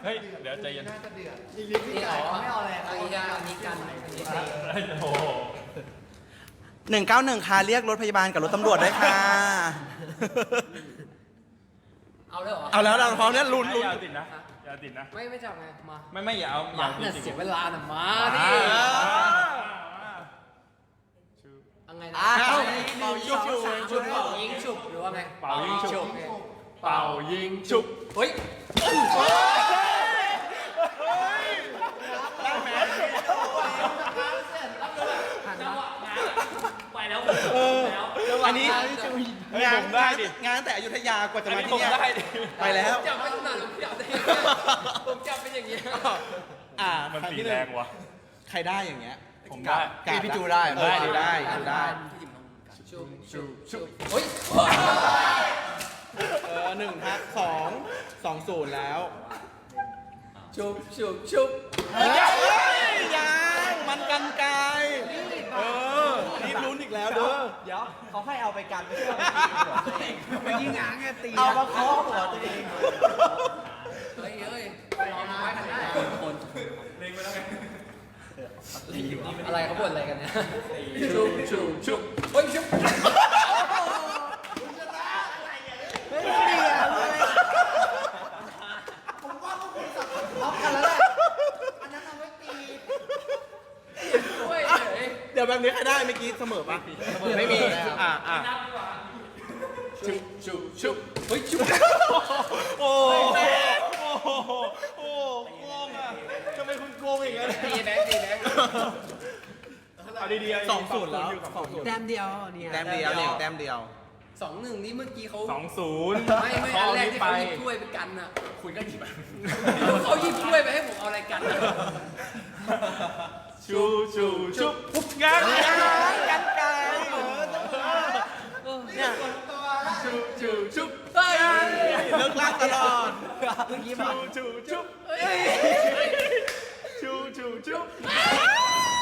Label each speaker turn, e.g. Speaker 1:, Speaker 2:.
Speaker 1: ฮ้ยเดี๋ยวใจเย็น
Speaker 2: นี่อ๋อไม่เอาอะไรเอาอีกอย่างอันนี้กัน
Speaker 1: โอ้
Speaker 3: 191ค่ะเรียกรถพยาบาลกับรถตำรวจด้วยค่ะ
Speaker 2: เอาเลยเหรอ
Speaker 3: เอาแล้วเราพร้อมเนี่ยลุ้น
Speaker 1: อย่าติดนะอย่าติดนะ
Speaker 2: ไม่จับไงมา
Speaker 1: ไม่อย่าเอาอย่าติด
Speaker 2: เสียเวลาหน่ะมาดิยังไงนะเป่ายิงฉุบเป่ายิงฉุบหรือว่าไง
Speaker 1: เป่ายิงฉุบเป่ายิงฉุบ
Speaker 2: เฮ้ยไปแล้ว
Speaker 3: อันนี้งานได้ดิงานแต่อยุธยากว่าจะมาที่นี่ไปแล้ว
Speaker 2: จับไม่ถนัดผมจับเป็นอย่างนี้
Speaker 1: มันตีแรงวะ
Speaker 3: ใครได้อย่างเงี้ย
Speaker 1: ผมได้
Speaker 3: พี่จูได้ได้
Speaker 2: ชุบเฮ้ย
Speaker 3: 1ฮะ2-0แล้ว
Speaker 2: ชุบ
Speaker 3: ยังมันกันไกลนี่ลุ้นอีกแล้วเด้อ
Speaker 4: เดี๋ยวเขาให้เอาไปกันไม่ใช่ไปยิงหางไงตี
Speaker 3: เอามาเคาะหัวตัวเอง
Speaker 2: เฮ้ยรอน้อยทำได้คนเล็งไปแล้วไงอะไรเขาบ่นอะไรกันเนี่ยชุบเฮ้ยชุบ
Speaker 3: เดี๋ยวแบบนี้ใครได้เมื่อกี้เสมอปะไม่มี
Speaker 1: ชุบ
Speaker 2: เฮ้ยชุบ
Speaker 3: โอ้โกงอ่ะทำไมคุณโกงอย่างเงี้ย
Speaker 2: ตีแบงค์
Speaker 1: เอาดีๆ
Speaker 3: 2-0แล้ว
Speaker 4: แต้มเดียวเนี่ย
Speaker 3: แต้มเดียวเนี่ยแต้มเดียว
Speaker 2: 2-1นี่เมื่อกี้เขา
Speaker 1: 2-0
Speaker 2: ไม่อันแรกที่เขาหยิบถ้วยไปกันน่ะคุณก็หยิบเขาหยิบถ้วยไปให้ผมเอาอะไรกัน
Speaker 1: ชุบปุ๊บงั้น
Speaker 3: กันไกลเนี่ย
Speaker 1: ชุบ
Speaker 2: เฮ้ย
Speaker 3: เลิกลากตลอด
Speaker 4: เมื่อกี้มา
Speaker 1: ชุบ